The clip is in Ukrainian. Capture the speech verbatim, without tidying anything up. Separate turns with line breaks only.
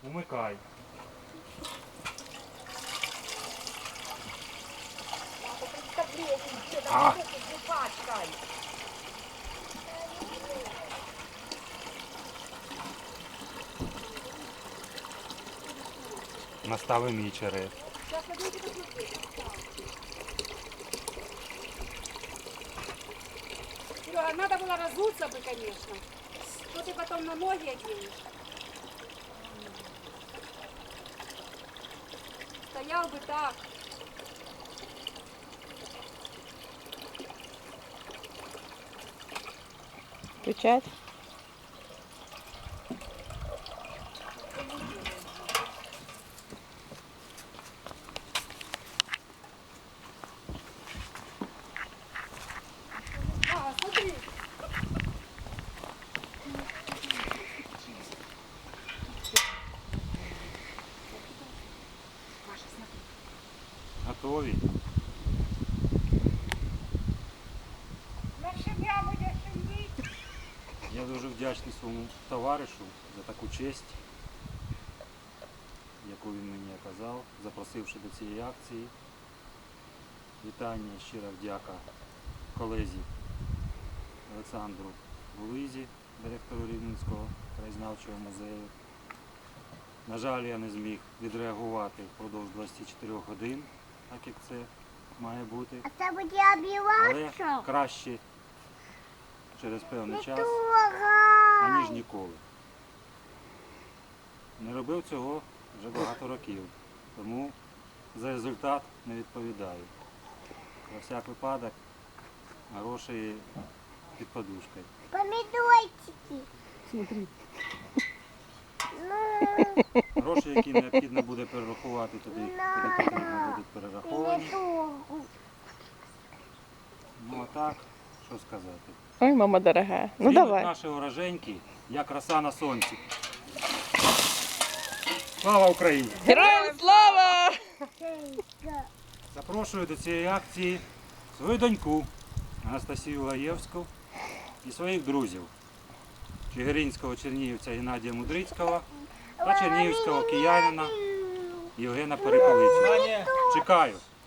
Умикай. А! Настави мій черед.
Серега, надо было разуться бы, конечно. Что ты потом на ноги оденешь. Стоял бы так.
Включать.
А, смотри.
Готові? Я дуже вдячний своєму товаришу за таку честь, яку він мені оказав, запросивши до цієї акції. Вітання, щира вдяка колезі Олександру Булизі, директору Рівненського краєзнавчого музею. На жаль, я не зміг відреагувати впродовж двадцяти чотирьох годин, так як це має бути.
А це буде
Але
обіватися?
краще через певний
Не
час,
трогай!
аніж ніколи. Не робив цього вже багато років, тому за результат не відповідаю. Про всяк випадок гроші під подушкою.
Помідорчики.
Смотри.
Ну,
Гроші, які необхідно буде перерахувати туди, куди потрібно будуть
ти не
перераховані.
трогай.
Ну а так, що сказати.
Ой, мама дорогая. Ну
Зрінуть
давай.
наші уроженьки, як роса на сонці. Слава Україні!
Героям слава!
Запрошую до цієї акції свою доньку Анастасію Лаєвську і своїх друзів чигиринського чернігівця Геннадія Мудрицького та чернігівського киянина Євгена Перепелицю. Чекаю!